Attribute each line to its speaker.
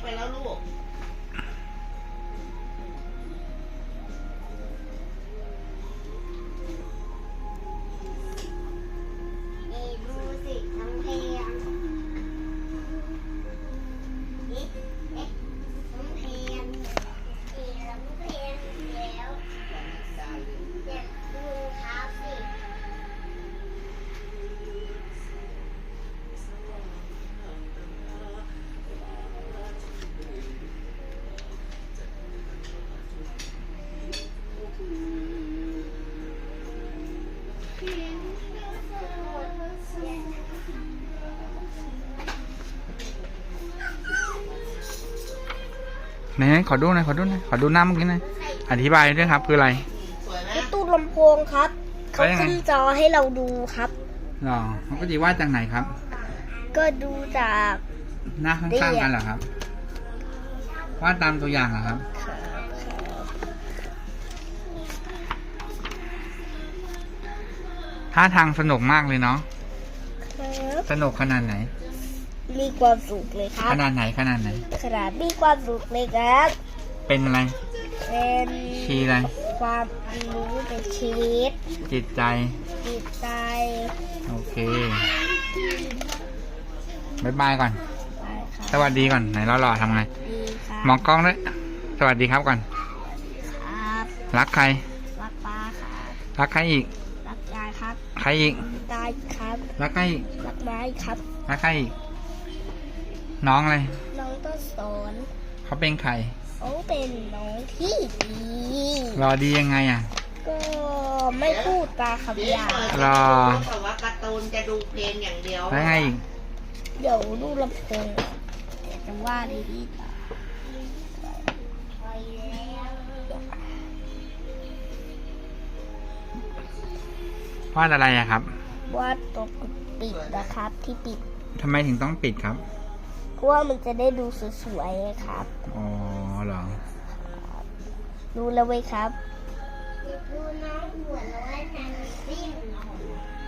Speaker 1: แล้วลูก
Speaker 2: ดูสิน้องเพลงน้องเพลงน้องเพลงแล้วเด็กดูเท้าสิ
Speaker 3: ไหนขอดูหน่อยขอดูหน่อยขอดูหน้าเมื่อกี้หน่อยอธิบายด้วยครับคืออะไร
Speaker 1: สวยไหม
Speaker 2: ตู้ลำโพงครับเขาขึ้นจอให้เราดูครับ
Speaker 3: หรอมันก็จะวาดจากไหนครับ
Speaker 2: ก็ดูจาก
Speaker 3: หน้าข้างๆกันเหรอครับวาดตามตัวอย่างเหรอครับท่าทางสนุกมากเลยเนาะสนุกขนาดไหน
Speaker 2: มีความสุขเลยครับ
Speaker 3: ขนาดไหนขนาดไหน
Speaker 2: ขนาดมีความสุขเลยครับ
Speaker 3: เป็นอะไร
Speaker 2: เป็น
Speaker 3: ชีอะไร
Speaker 2: ความรู้เป็นชีวิต
Speaker 3: จิตใจ
Speaker 2: จิตใจ
Speaker 3: โอเคบายบายก่อน
Speaker 2: ไปครับ
Speaker 3: สวัสดีก่อนไหนเราหล่อทำไง
Speaker 2: ดีครับ
Speaker 3: มองกล้องด้วยสวัสดีครับก่อน
Speaker 2: ครับ
Speaker 3: รักใคร
Speaker 2: รักป้าครับ
Speaker 3: รักใครอีก
Speaker 2: รักยายครับ
Speaker 3: ใครอีก
Speaker 2: ตายครับ
Speaker 3: รักใครอีก
Speaker 2: รักไม้ครับ
Speaker 3: รักใครอีกน้องอะไร
Speaker 2: น้องต้นสน
Speaker 3: เขาเป็นใคร
Speaker 2: เขาเป็นน้องที่ดี
Speaker 3: รอดียังไงอ่ะ
Speaker 2: ก็ไม่พูดตาคำหยาบ
Speaker 3: รอ
Speaker 1: แต่ว่าการ์ตูนจะดูเพลงอย่างเดียว
Speaker 3: แล้วไงอีก
Speaker 2: เดี๋ยวดูลำโพงแต่จะว่าดีดีตา
Speaker 3: วาดอะไรอะครับ
Speaker 2: ว่าตัวปิดนะครับที่ปิด
Speaker 3: ทำไมถึงต้องปิดครับ
Speaker 2: เพราะว่ามันจะได้ดูสวยๆครับ
Speaker 3: อ๋อเหรอ
Speaker 2: ดูแล้วไหมครับดูน้องหัวน้อยนันซิ่ง